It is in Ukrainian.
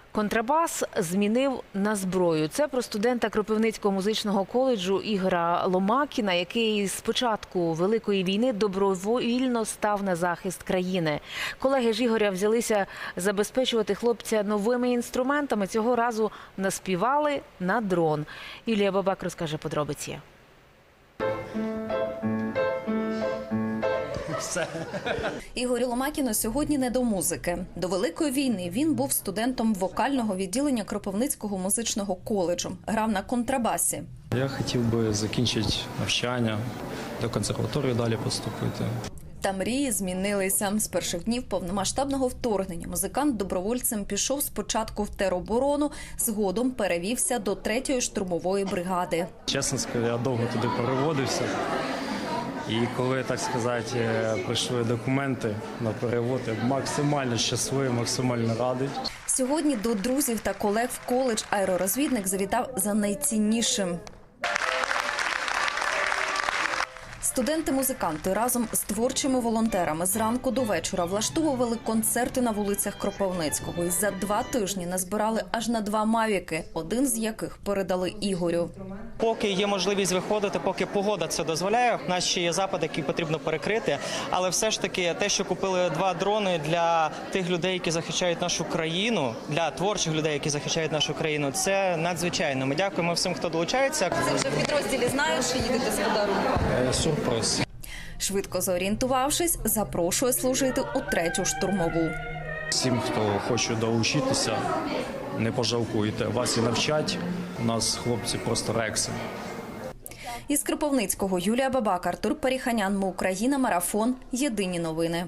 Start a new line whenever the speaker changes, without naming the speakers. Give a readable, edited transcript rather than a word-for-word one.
Контрабас змінив на зброю. Це про студента Кропивницького музичного коледжу Ігоря Ломакіна, який з початку Великої війни добровільно став на захист країни. Колеги ж Ігоря взялися забезпечувати хлопця новими інструментами. Цього разу наспівали на дрон. Юлія Бабак розкаже подробиці.
Ігорю Ломакіну сьогодні не до музики. До Великої війни він був студентом вокального відділення Кропивницького музичного коледжу. Грав на контрабасі.
Я хотів би закінчити навчання, до консерваторії далі поступити.
Та мрії змінилися. З перших днів повномасштабного вторгнення музикант добровольцем пішов спочатку в тероборону, згодом перевівся до 3-ї штурмової бригади.
Чесно скажу, я довго туди переводився. І коли, так сказати, прийшли документи на перевод, я максимально щасливий, максимально радий.
Сьогодні до друзів та колег в коледж аеророзвідник завітав за найціннішим. Студенти-музиканти разом з творчими волонтерами зранку до вечора влаштовували концерти на вулицях Кропивницького. І за 2 тижні назбирали аж на 2 мавіки, один з яких передали Ігорю.
Поки є можливість виходити, поки погода це дозволяє, у нас ще є запит, який потрібно перекрити. Але все ж таки те, що купили 2 дрони для тих людей, які захищають нашу країну, для творчих людей, які захищають нашу країну, це надзвичайно. Ми дякуємо всім, хто долучається.
Це вже в підрозділі знаєш, що їдете з подарунком?
Сюрприз.
Швидко зорієнтувавшись, запрошує служити у 3-ю штурмову.
Всім, хто хоче долучитися, не пожалкуйте. Вас і навчать. У нас хлопці просто рекси.
Із Кропивницького Юлія Бабак, Артур Періханян, Ми Україна, Марафон. Єдині новини.